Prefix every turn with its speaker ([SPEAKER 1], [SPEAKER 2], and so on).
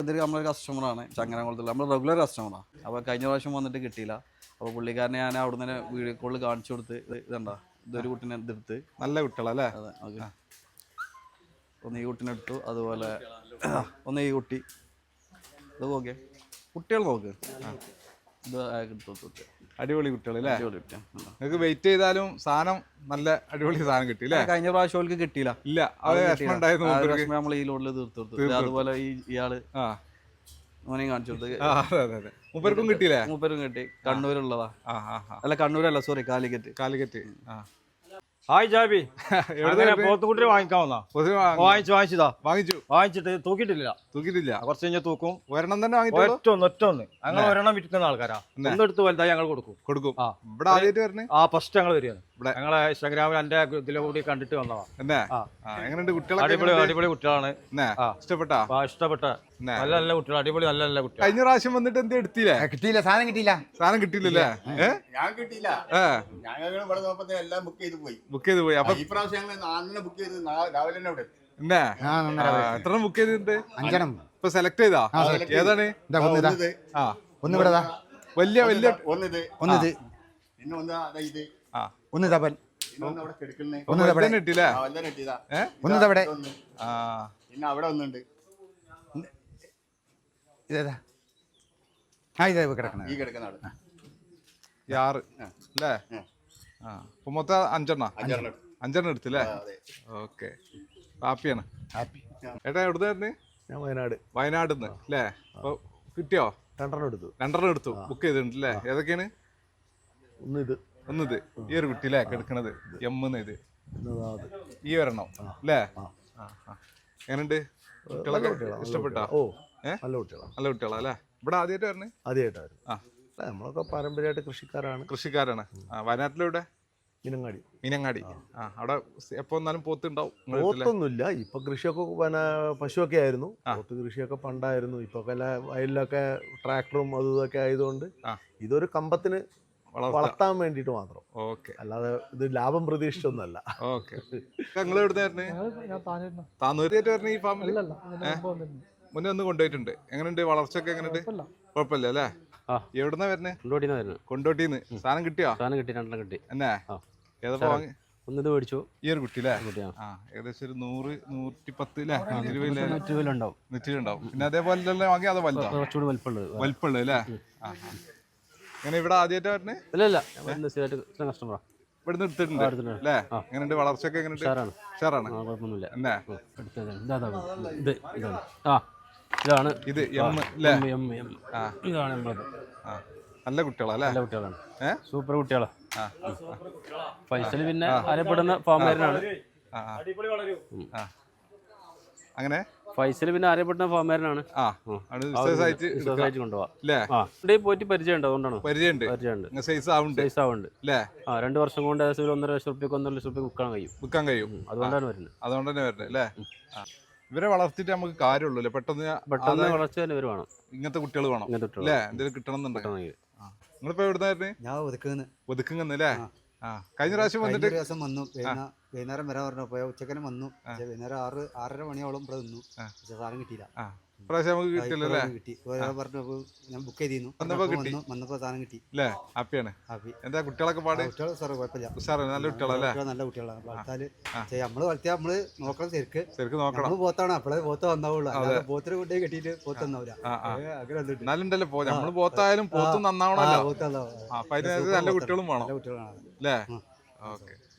[SPEAKER 1] ഇതൊരു നമ്മളൊരു കസ്റ്റമറാണ്, ചങ്ങനാകുളത്തുള്ള നമ്മൾ റെഗുലർ കസ്റ്റമറാണ്. അപ്പോൾ കഴിഞ്ഞ പ്രാവശ്യം വന്നിട്ട് കിട്ടിയില്ല. അപ്പോൾ പുള്ളിക്കാരനെ ഞാൻ അവിടെ നിന്ന് വീഡിയോ കോളിൽ കാണിച്ചു കൊടുത്ത് ഇതുണ്ടോ ഇതൊരു കുട്ടീനെ എടുത്ത്.
[SPEAKER 2] നല്ല കുട്ടികളല്ലേ?
[SPEAKER 1] അതെ, ഓക്കെ. ഒന്ന് ഈ കുട്ടീനെ എടുത്തു, അതുപോലെ ഒന്ന് ഈ കുട്ടി. ഇത് ഓക്കെ, കുട്ടികൾ നോക്ക്. ഇത് എടുത്തു.
[SPEAKER 2] അടിപൊളി കുട്ടികൾ അല്ലേ?
[SPEAKER 1] അടിപൊളി കുട്ടിയാണ്.
[SPEAKER 2] നിങ്ങൾക്ക് വെയിറ്റ് ചെയ്താലും സാധനം നല്ല അടിപൊളി സാധനം കിട്ടി അല്ലേ?
[SPEAKER 1] കഴിഞ്ഞ പ്രാവശ്യം അവർക്ക് കിട്ടിയില്ല.
[SPEAKER 2] ഇല്ല, അത് വിഷമം ഉണ്ടായിരുന്നു.
[SPEAKER 1] നമ്മൾ ഈ ലോഡിൽ തീർത്തു കൊടുത്തു. അതുപോലെ ഇയാള് മോനെ കാണിച്ചു കൊടുത്ത്.
[SPEAKER 2] മൂപ്പർക്കും കിട്ടിയില്ലേ?
[SPEAKER 1] മൂപ്പരും കിട്ടി. കണ്ണൂരുള്ളതാ. അല്ല, കണ്ണൂരല്ല, സോറി, കാലിക്കറ്റ്.
[SPEAKER 3] ഹായ് ജാബി, പോത്തുകുട്ടി വാങ്ങിക്കാവുന്ന വാങ്ങിച്ചിട്ട് തൂക്കിയിട്ടില്ല. കുറച്ച് കഴിഞ്ഞാൽ തൂക്കും.
[SPEAKER 2] ഒരെണ്ണം തന്നെ
[SPEAKER 3] ഒറ്റൊന്ന് ഞങ്ങൾ ഒരെണ്ണം വിൽക്കുന്ന ആൾക്കാരാ. ഒന്നെടുത്ത് വലുതായി ഞങ്ങൾ കൊടുക്കും.
[SPEAKER 2] ഇവിടെ ആദ്യമായിട്ട് വരണേ?
[SPEAKER 3] ഫസ്റ്റ് ഞങ്ങൾ വരികയാണ്. ഞങ്ങളെ ഇൻസ്റ്റാഗ്രാമിൽ എന്റെ ഇതിലെ കൂടി കണ്ടിട്ട് വന്നതാ.
[SPEAKER 2] എങ്ങനെയുണ്ട് കുട്ടികൾ?
[SPEAKER 3] അടിപൊളി കുട്ടികളാണ്. ഇഷ്ടപ്പെട്ട നല്ല നല്ല കുട്ടികൾ, അടിപൊളി നല്ല നല്ല കുട്ടികൾ.
[SPEAKER 2] കഴിഞ്ഞ പ്രാവശ്യം വന്നിട്ട് എന്ത് എടുത്തില്ലേ?
[SPEAKER 4] കിട്ടിയില്ല, സാധനം
[SPEAKER 2] കിട്ടിയില്ലല്ലേ?
[SPEAKER 5] ഞാൻ കിട്ടിയില്ല. ഞങ്ങൾ ഇവിടെ നോക്കുമ്പോ എല്ലാം ബുക്ക് ചെയ്ത് പോയി.
[SPEAKER 2] അപ്പൊ
[SPEAKER 5] ഈ പ്രാവശ്യം ഞങ്ങൾ ബുക്ക് ചെയ്ത് രാവിലെ തന്നെ ഇവിടെ
[SPEAKER 2] എത്ര ബുക്ക് ചെയ്തിട്ടുണ്ട്?
[SPEAKER 4] 5
[SPEAKER 2] ഇപ്പൊ സെലക്ട് ചെയ്താ? ഏതാണ്?
[SPEAKER 4] ഒന്ന് ഇവിടെ
[SPEAKER 2] വലിയ
[SPEAKER 5] ഒന്നിത് പിന്നെ
[SPEAKER 4] ഒന്ന് തപൽ
[SPEAKER 2] കിട്ടില്ലേ?
[SPEAKER 4] ഒന്ന് അവിടെ
[SPEAKER 5] പിന്നെ അവിടെ ഒന്നുണ്ട്.
[SPEAKER 4] ഇതേതാ? ഇതേ കിടക്കണ
[SPEAKER 5] ഈ കിടക്കുന്ന ആള്
[SPEAKER 2] 6 അല്ലേ? ഇപ്പൊ മൊത്തം 5 എടുത്തില്ലേ? ഓക്കെ, ഹാപ്പിയാണ്. ഏട്ടാ എവിടുന്നായിരുന്നു?
[SPEAKER 6] ഞാൻ വയനാട്.
[SPEAKER 2] വയനാട് അല്ലേ? അപ്പൊ കിട്ടിയോ? 2 എടുത്തു. ബുക്ക് ചെയ്തിട്ടുണ്ട് അല്ലേ? ഏതൊക്കെയാണ്? ഒന്നിത് ഈ ഒരു കുട്ടി അല്ലേ കിടക്കണത്? ഇത് ഈ ഒരെണ്ണം അല്ലേ? എങ്ങനെയുണ്ട്? കുട്ടികളൊക്കെ ഇഷ്ടപ്പെട്ടോ? നല്ല കുട്ടികളാ അല്ലേ? ഇവിടെ ആദ്യമായിട്ട് വരണേ?
[SPEAKER 6] ആദ്യമായിട്ടായിരുന്നു. നമ്മളൊക്കെ പാരമ്പര്യമായിട്ട് കൃഷിക്കാരാണ്.
[SPEAKER 2] വയനാട്ടിലെവിടെ? മീനങ്ങാടി. അവിടെ എപ്പോ വന്നാലും പോത്തുണ്ടാവും?
[SPEAKER 6] പോത്തൊന്നുമില്ല. ഇപ്പൊ കൃഷിയൊക്കെ പശുവൊക്കെ ആയിരുന്നു. പോത്ത് കൃഷിയൊക്കെ പണ്ടായിരുന്നു. ഇപ്പൊ വയലിലൊക്കെ ട്രാക്ടറും അതും ഇതൊക്കെ ആയതുകൊണ്ട് ഇതൊരു കമ്പത്തിന് വളർത്താൻ വേണ്ടിട്ട് മാത്രം. അല്ലാതെ ഇത് ലാഭം പ്രതീക്ഷിച്ചൊന്നല്ല.
[SPEAKER 2] മുന്നേ ഒന്ന് കൊണ്ടുപോയിട്ടുണ്ട്. എങ്ങനെയുണ്ട് വളർച്ചയൊക്കെ? എങ്ങനെയുണ്ട്? കുഴപ്പമില്ല അല്ലേ? എവിടുന്നാ വരണേ? കൊണ്ടോട്ടിന്ന്. സാധനം കിട്ടിയോ?
[SPEAKER 6] കിട്ടി.
[SPEAKER 2] എന്നാ ഏതാ വാങ്ങി?
[SPEAKER 6] ഒന്നിത് മേടിച്ചു.
[SPEAKER 2] ഈ ഒരു കുട്ടി അല്ലേ? ഏകദേശം ഒരു 100-110 നെറ്റിലുണ്ടാവും. പിന്നെ അതേപോലെ തന്നെ വാങ്ങി? അത് വലിപ്പമുള്ളത് അല്ലേ? ഇങ്ങനെ ഇവിടെ ആദ്യമായിട്ട് വരണേ?
[SPEAKER 6] കസ്റ്റമറാ.
[SPEAKER 2] ഇവിടുന്ന് എടുത്തിട്ടുണ്ട് അല്ലേ? എങ്ങനെയുണ്ട് വളർച്ചയൊക്കെ? എങ്ങനെയുണ്ട്? ഷെയറാണ്. എന്നാ ഇത്
[SPEAKER 6] ഇതാണ്
[SPEAKER 2] നല്ല കുട്ടികളല്ലേ?
[SPEAKER 6] സൂപ്പർ കുട്ടികളാ. ഫൈസൽ പിന്നെ അറിയപ്പെടുന്ന ഫാമേരനാണ്.
[SPEAKER 2] അങ്ങനെ
[SPEAKER 6] ഫൈസൽ പിന്നെ അറിയപ്പെടുന്ന ഫാമേരനാണ്. പോയിട്ട് പരിചയമുണ്ട്. അതുകൊണ്ടാണ് പരിചയമുണ്ട്. 2 വർഷം കൊണ്ട് 1.5 ലക്ഷം റുപ്യക്ക് 1.5 ലക്ഷം റുപ്യ വിൽക്കാൻ കഴിയും. അതുകൊണ്ടാണ് വരുന്നത്.
[SPEAKER 2] അല്ലേ? ഇവരെ വളർത്തിട്ട് നമുക്ക് കാര്യമുള്ളൂ. പെട്ടെന്ന്
[SPEAKER 6] വളർച്ച തന്നെ ഇവർ വേണം.
[SPEAKER 2] ഇങ്ങനത്തെ കുട്ടികൾ വേണം അല്ലേ? എന്തെങ്കിലും കിട്ടണം എന്നുണ്ടെങ്കിൽ. നിങ്ങളിപ്പോ എവിടുന്നായിരുന്നു?
[SPEAKER 4] ഞാൻ
[SPEAKER 2] ഒതുക്കുന്നല്ലേ? കഴിഞ്ഞ പ്രാവശ്യം വന്നിട്ട്
[SPEAKER 4] വന്നു. വൈകുന്നേരം വരാൻ പറഞ്ഞപ്പോ ഉച്ചക്കനെ വന്നു. വൈകുന്നേരം 6-6:30 മണിയോളം ഇവിടെ നിന്നു. സാധനം കിട്ടിയില്ല.
[SPEAKER 2] പ്രാവശ്യം നമുക്ക് കിട്ടില്ലല്ലേ?
[SPEAKER 4] കിട്ടി. പറഞ്ഞപ്പോ ഞാൻ ബുക്ക് ചെയ്തിരുന്നു. വന്നപ്പോ സാധനം കിട്ടി.
[SPEAKER 2] ഹാപ്പിയാണ്. എന്താ കുട്ടികളൊക്കെ പാട്?
[SPEAKER 4] കുഴപ്പമില്ല, നല്ല കുട്ടികളല്ലേ? നല്ല കുട്ടികളാണ്. വളർത്താല് നമ്മള് വളർത്തിയാ നമ്മള് നോക്കണം. ശരിക്ക്
[SPEAKER 2] നോക്കണം.
[SPEAKER 4] നമ്മള് പോത്താണ്. അപ്പോഴേ പോത്ത് വന്നാവുള്ളൂ. പോത്തിന് കൊണ്ടേ കെട്ടിയിട്ട് പോത്ത് വന്നാവില്ല.
[SPEAKER 2] നല്ലുണ്ടല്ലോ. നമ്മള് പോത്തായാലും പോത്ത് നന്നാവണല്ലോ. നല്ല കുട്ടികളും വേണം അല്ലേ? ഓക്കെ.